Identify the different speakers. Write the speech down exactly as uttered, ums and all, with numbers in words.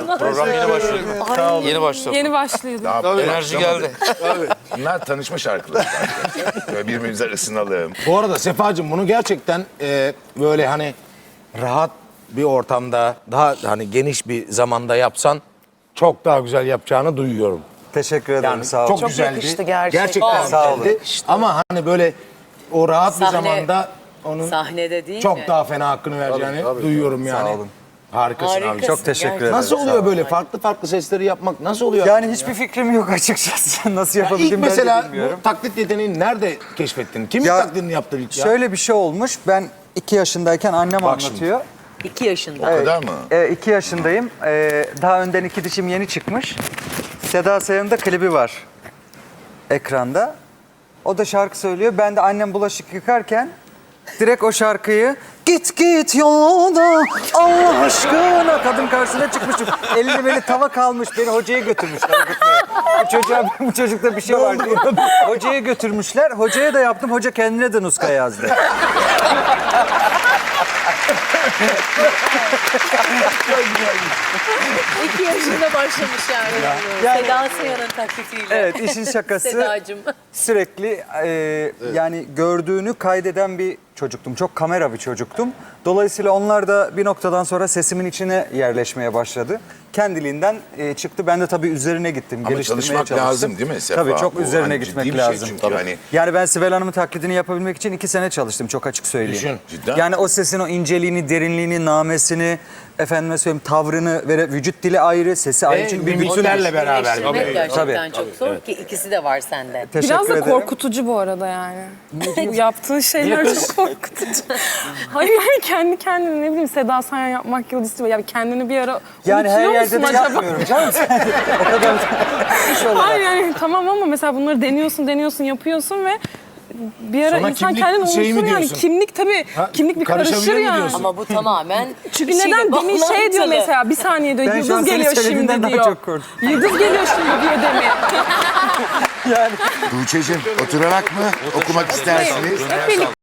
Speaker 1: Program yeni başlıyor.
Speaker 2: Ay.
Speaker 1: Yeni başladı.
Speaker 3: Yeni başlıyordu.
Speaker 4: Tabii,
Speaker 1: Enerji
Speaker 4: başlamadı.
Speaker 1: geldi.
Speaker 4: Tabii. Bunlar tanışma şarkıları. Böyle birbirimize ısınalım.
Speaker 2: Bu arada Sefacığım bunu gerçekten e, böyle hani rahat bir ortamda, daha hani geniş bir zamanda yapsan çok daha güzel yapacağını duyuyorum.
Speaker 5: Teşekkür ederim,
Speaker 2: Yani
Speaker 5: sağ olun.
Speaker 2: çok,
Speaker 3: Çok
Speaker 2: güzeldi.
Speaker 3: yakıştı gerçekten.
Speaker 2: Gerçekten
Speaker 5: Sağ olun.
Speaker 2: güzeldi. Ama hani böyle o rahat bir
Speaker 6: Sahne-
Speaker 2: zamanda onun
Speaker 6: Sahnede değil
Speaker 2: çok
Speaker 6: mi?
Speaker 2: daha fena hakkını vereceğini
Speaker 5: tabii.
Speaker 2: duyuyorum yani.
Speaker 5: Sağ olun.
Speaker 2: Harikasın abi.
Speaker 6: Harikasın.
Speaker 5: Çok teşekkür ederim.
Speaker 2: Nasıl
Speaker 5: Sağ
Speaker 2: oluyor
Speaker 5: olun.
Speaker 2: böyle farklı farklı sesleri yapmak? Nasıl oluyor?
Speaker 5: Yani hiçbir fikrim yok açıkçası. Nasıl
Speaker 2: Ya ilk
Speaker 5: yapabildim ben de
Speaker 2: mesela
Speaker 5: bilmiyorum.
Speaker 2: bu taklit yeteneğini nerede keşfettin? Kimin
Speaker 5: Ya,
Speaker 2: taklidini yaptın ilk ya?
Speaker 5: Şöyle bir şey olmuş. Ben iki yaşındayken annem
Speaker 2: Bak şimdi.
Speaker 5: anlatıyor.
Speaker 6: İki yaşında.
Speaker 4: O kadar mı?
Speaker 5: E, iki yaşındayım. E, daha önden iki dişim yeni çıkmış. Seda Sayan'ın da klibi var ekranda. O da şarkı söylüyor. Ben de annem bulaşık yıkarken direkt o şarkıyı git git yolda Allah aşkına kadın karşısına çıkmışım. Elini beni tava kalmış. Beni hocaya götürmüşler. gitmeye. Bu çocuğa bu çocukta bir şey var diye. Hocaya götürmüşler. Hocaya da yaptım. Hoca kendine de nuska yazdı.
Speaker 6: İki yaşında başlamış yani.
Speaker 5: Yani-
Speaker 6: Seda Sayan'ın taklitiyle.
Speaker 5: Evet, işin şakası.
Speaker 6: Sedacığım.
Speaker 5: Sürekli e, yani gördüğünü kaydeden bir çocuktum. Çok kamera bir çocuktum. Dolayısıyla onlar da bir noktadan sonra sesimin içine yerleşmeye başladı. Kendiliğinden e, çıktı. Ben de tabii üzerine gittim.
Speaker 4: Ama
Speaker 5: geliştirmeye
Speaker 4: çalışmak
Speaker 5: çalıştım.
Speaker 4: lazım değil mi Sefa?
Speaker 5: Tabii çok
Speaker 4: Bu
Speaker 5: üzerine
Speaker 4: hani
Speaker 5: gitmek
Speaker 4: ciddi bir şey
Speaker 5: lazım.
Speaker 4: çünkü hani-
Speaker 5: Yani ben Sibel Hanım'ın taklidini yapabilmek için iki sene çalıştım. Çok açık söyleyeyim.
Speaker 2: Düşün.
Speaker 4: Cidden.
Speaker 5: Yani o sesin o inceliğini, derinliğini, namesini, efendime söyleyeyim tavrını ve vücut dili ayrı, sesi ayrı. Çünkü bir bütün
Speaker 2: mimiklerle beraber.
Speaker 6: Birleştirmek
Speaker 2: Tabii.
Speaker 6: gerçekten
Speaker 5: Tabii.
Speaker 6: çok zor ki ikisi de var sende.
Speaker 5: Teşekkür
Speaker 3: Biraz da
Speaker 5: ederim.
Speaker 3: korkutucu bu arada yani. Bu yaptığın şeyler çok korkutucu. Hayır yani kendi kendine ne bileyim Seda Sayan yapmak yıldız istiyor. Yani kendini bir ara
Speaker 5: Yani her
Speaker 3: unutuyor
Speaker 5: yerde de
Speaker 3: musun acaba?
Speaker 5: yapmıyorum canım. O kadar iş olarak.
Speaker 3: Hayır yani tamam ama mesela bunları deniyorsun, deniyorsun, yapıyorsun ve bir ara
Speaker 2: Sonra
Speaker 3: insan
Speaker 2: kimlik
Speaker 3: kendini
Speaker 2: şeyi mi
Speaker 3: unutur yani.
Speaker 2: diyorsun?
Speaker 3: Kimlik tabii,
Speaker 2: Ha,
Speaker 3: kimlik bir
Speaker 2: karışabilir
Speaker 3: karışır
Speaker 2: mi
Speaker 3: yani.
Speaker 2: diyorsun?
Speaker 6: Ama bu tamamen
Speaker 3: Çünkü
Speaker 6: şeyle
Speaker 3: neden demin şey diyor
Speaker 6: bağlantılı.
Speaker 3: mesela bir saniye diyor
Speaker 5: Ben şu an
Speaker 3: yıldız
Speaker 5: senin
Speaker 3: geliyor
Speaker 5: söylediğinden
Speaker 3: şimdi
Speaker 5: daha
Speaker 3: diyor.
Speaker 5: çok korktum.
Speaker 3: Yıldız geliyor şimdi diyor demin.
Speaker 5: Yani
Speaker 4: Tuğçe'cim oturarak mı okumak istersiniz?
Speaker 3: Hep birlikte